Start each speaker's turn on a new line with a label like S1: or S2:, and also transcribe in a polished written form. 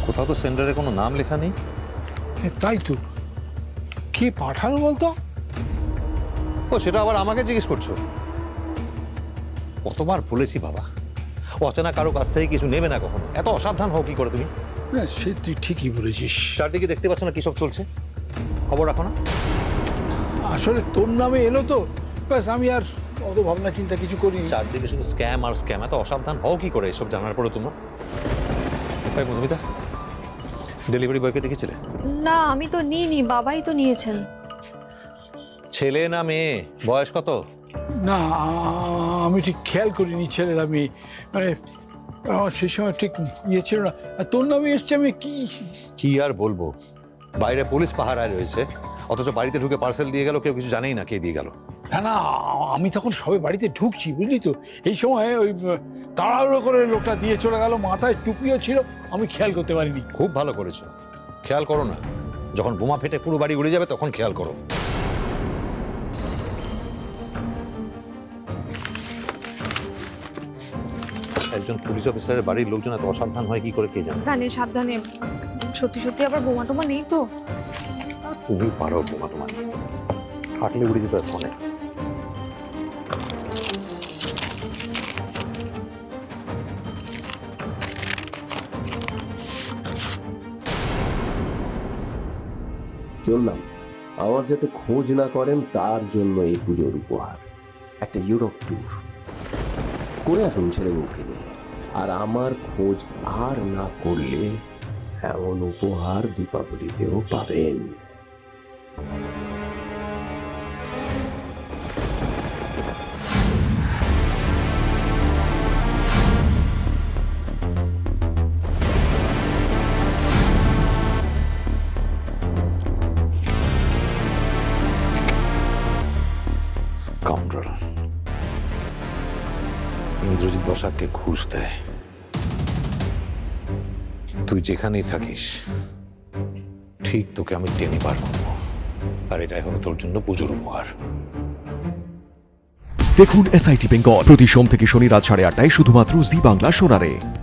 S1: কোথাও তো সেন্টারে কোনো নাম লেখা নেই।
S2: তাই তো, কে পাঠানো বলতো?
S1: ও সেটা আবার আমাকে জিজ্ঞেস করছো? কতবার বলেছি বাবা, অচেনা কারো কাছ থেকে কিছু নেবে না কখনো। এত অসাবধান হও কি করে তুমি?
S2: না, সে তুই ঠিকই বলেছিস।
S1: চারদিকে দেখতে পাচ্ছ না কি সব চলছে? খবর রাখো না?
S2: আসলে তোর নামে এলো তো, ব্যাস আমি আর অত ভাবনা চিন্তা কিছু করিনি।
S1: চারদিকে শুধু স্ক্যাম আর স্ক্যাম। এত অসাবধান হও কি করে এসব জানার পরে তোমরা? ভাই মধুমিতা, ডেলিভারি বয়কে দেখেছিলে?
S3: না, আমি তো নিইনি, বাবাই তো নিয়েছেন।
S1: ছেলে না মেয়ে? বয়স কত?
S2: না, আমি ঠিক খেয়াল করিনি ছেলেরা মেয়ে, মানে আমার সেই সময় ঠিক ইয়ে ছিল না। আর তোর নামে এসছে, আমি
S1: কি আর বলবো, বাইরে পুলিশ পাহারায় রয়েছে, অথচ বাড়িতে ঢুকে পার্সেল দিয়ে গেল, কেউ কিছু জানেই না কে দিয়ে গেল।
S2: না না, আমি তখন সবে বাড়িতে ঢুকছি, বুঝলি তো। এই সময় ওই তাড়াহুড়ো করে লোকটা দিয়ে চলে গেল, মাথায় টুপিও ছিল, আমি খেয়াল করতে পারিনি।
S1: খুব ভালো করেছো, খেয়াল করো না। যখন বোমা ফেটে পুরো বাড়ি উড়ে যাবে তখন খেয়াল করো। একজন পুলিশ অফিসারের বাড়ির লোকজন এত অসাবধান হয় কি করে কে জানে।
S3: সাবধানে সাবধানে, সত্যি সত্যি আবার বোমা টোমা নেই তো?
S1: তুমি পারো বোমা তোমার, হাঁটলে উড়ে যেত ফোনে।
S4: চললাম, আমার যাতে খোঁজ না করেন তার জন্য এই পুজোর উপহার একটা ইউরোপ ট্যুর করে আসুন ছেলে বউকে নিয়ে। আর আমার খোঁজ আর না করলে এমন উপহার দীপাবলিতেও পাবেন।
S1: স্কাউন্ডার ইন্দ্রজিৎ বসাককে ঘুষ দেয়। তুই যেখানেই থাকিস ঠিক তোকে আমি টেনে বার করবো, আর এটাই হলো তোর জন্য পুজোর উপহার।
S5: দেখুন SIT বেঙ্গল প্রতি সোম থেকে শনি রাত 8:30টায় শুধুমাত্র জি বাংলা সোনারে।